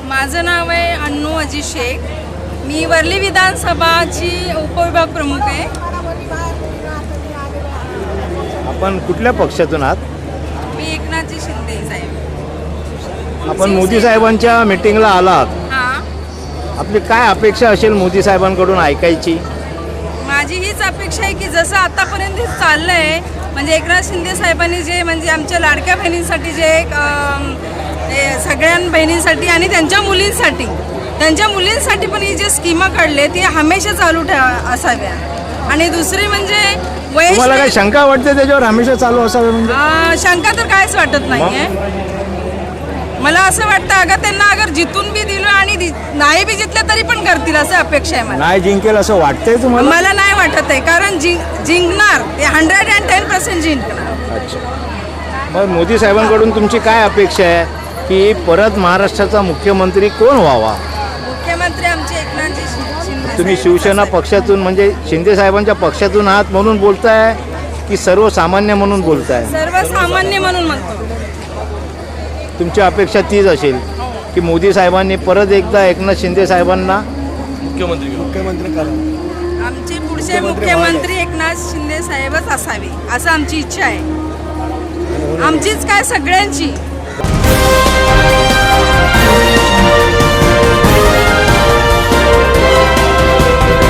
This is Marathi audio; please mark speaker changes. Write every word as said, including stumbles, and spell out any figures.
Speaker 1: माझं नाव आहे अन्नू अजी शेख. मी वर्ली विधानसभाची उपविभाग प्रमुख आहे.
Speaker 2: आपण कुठल्या पक्षातून आहात?
Speaker 1: मी एकनाथजी शिंदे साहेब.
Speaker 2: आपण मोदी साहेबांच्या मीटिंगला आलात.
Speaker 1: हां,
Speaker 2: आपली काय अपेक्षा असेल मोदी साहेबांकडून ऐकायची?
Speaker 1: माझी हीच अपेक्षा आहे की जसं आतापर्यंत हे चाललं आहे, म्हणजे एकनाथ शिंदे साहेबांनी जे म्हणजे आमच्या लाडक्या बहिणींसाठी जे एक अं, हे सगळ्या बहिणींसाठी आणि त्यांच्या मुलींसाठी त्यांच्या मुलींसाठी पण ही जे स्कीमा काढले ती हमेशा चालू ठेवा असाव्या. आणि दुसरी म्हणजे वयस्क
Speaker 2: तुम्हाला काय शंका वाटते त्याच्यावर हमेशा चालू असावे? म्हणजे
Speaker 1: अं, शंका तर कायच वाटत नाही आहे. मला असं वाटतं अगं त्यांना अगर जितून बी दिलं आणि दि- नाही बी जितलं तरी पण करतील असं अपेक्षा आहे मला.
Speaker 2: नाही जिंकेल असं वाटतंय तुम्हाला?
Speaker 1: मला नाही वाटत आहे, कारण जिंक जिंकणार ते हंड्रेड अँड टेन पर्सेंट जिंकणार.
Speaker 2: अच्छा, मग मोदी साहेबांकडून तुमची काय अपेक्षा आहे की परत महाराष्ट्राचा मुख्यमंत्री कोण व्हावा?
Speaker 1: मुख्यमंत्री आमचे एकनाथजी शि- शिंदे
Speaker 2: तुम्ही
Speaker 1: साहेब
Speaker 2: शिवसेना
Speaker 1: असावे.
Speaker 2: पक्षातून म्हणजे शिंदे साहेबांच्या पक्षातून आहात म्हणून बोलताय की सर्वसामान्य म्हणून बोलताय?
Speaker 1: सर्वसामान्य म्हणून म्हणतो.
Speaker 2: तुमची अपेक्षा तीच असेल की मोदी साहेबांनी परत एकदा एकनाथ शिंदे साहेबांना
Speaker 3: मुख्यमंत्री मुख्यमंत्री करा.
Speaker 1: आमचे पुढचे मुख्यमंत्री एकनाथ शिंदे साहेबच असावे असं आमची इच्छा आहे, आमचीच काय सगळ्यांची.